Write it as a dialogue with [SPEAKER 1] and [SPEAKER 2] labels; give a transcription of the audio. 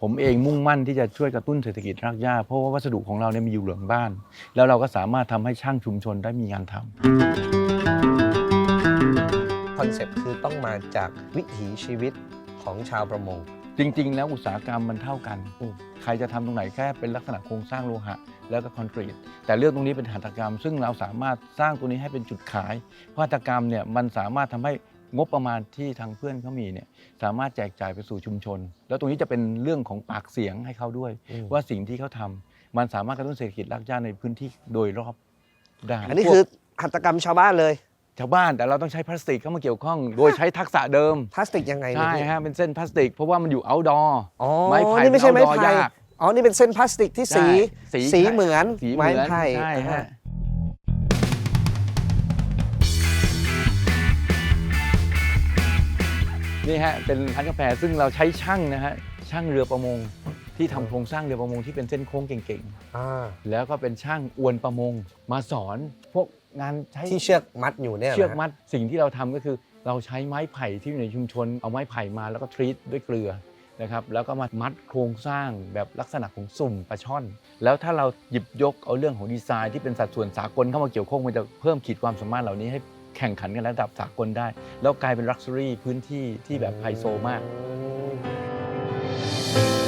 [SPEAKER 1] ผมเองมุ่งมั่นที่จะช่วยกระตุ้นเศรษฐกิจรากหญ้าเพราะว่าวัสดุของเราเนี่ยมีอยู่หลังบ้านแล้วเราก็สามารถทำให้ช่างชุมชนได้มีงานทำ
[SPEAKER 2] คอนเซ็ปต์คือต้องมาจากวิถีชีวิตของชาวประมง
[SPEAKER 1] จริงๆแล้วอุตสาหกรรมมันเท่ากันใครจะทำตรงไหนแค่เป็นลักษณะโครงสร้างโลหะแล้วก็คอนกรีตแต่เรื่องตรงนี้เป็นหัตถกรรมซึ่งเราสามารถสร้างตัวนี้ให้เป็นจุดขายเพราะหัตถกรรมเนี่ยมันสามารถทำให้งบประมาณที่ทางเพื่อนเขามีเนี่ยสามารถแจกจ่ายไปสู่ชุมชนแล้วตรงนี้จะเป็นเรื่องของปากเสียงให้เขาด้วยว่าสิ่งที่เขาทำมันสามารถกระตุ้นเศรษฐกิจรากหญ้าในพื้นที่โดยรอบได้
[SPEAKER 2] อันนี้คือหัตถกรรมชาวบ้านเลย
[SPEAKER 1] ชาวบ้านแต่เราต้องใช้พลาสติกเข้ามาเกี่ยวข้องโดยใช้ทักษะเดิม
[SPEAKER 2] พลาสติกยังไง
[SPEAKER 1] ใช่ฮะเป็นเส้นพลาสติกเพราะว่ามันอยู่เอาท์ดอร์ไม้ไผ่
[SPEAKER 2] นี่ไม่ใช่ไม้ไผ่
[SPEAKER 1] ยาก
[SPEAKER 2] อ๋อนี่เป็นเส้นพลาสติกที่สีเหมือนไม้ไผ่
[SPEAKER 1] ใช่ฮะนี่ฮะเป็นร้านกาแฟซึ่งเราใช้ช่างนะฮะช่างเรือประมงที่ทำโครงสร้างเรือประมงที่เป็นเส้นโค้งเก่งๆแล้วก็เป็นช่างอวนประมงมาสอนพวกงานใช้
[SPEAKER 2] ที่เชือกมัดอยู่เนี่ย
[SPEAKER 1] เชือกมัดสิ่งที่เราทำก็คือเราใช้ไม้ไผ่ที่อยู่ในชุมชนเอาไม้ไผ่มาแล้วก็ทรีตด้วยเกลือนะครับแล้วก็มามัดโครงสร้างแบบลักษณะของสุ่มปลาช่อนแล้วถ้าเราหยิบยกเอาเรื่องของดีไซน์ที่เป็นสัดส่วนสากลเข้ามาเกี่ยวข้องมันจะเพิ่มขีดความสามารถเหล่านี้ให้แข่งขันกันระดับสากลได้แล้วกลายเป็นลักชัวรี่พื้นที่ที่แบบไฮโซมาก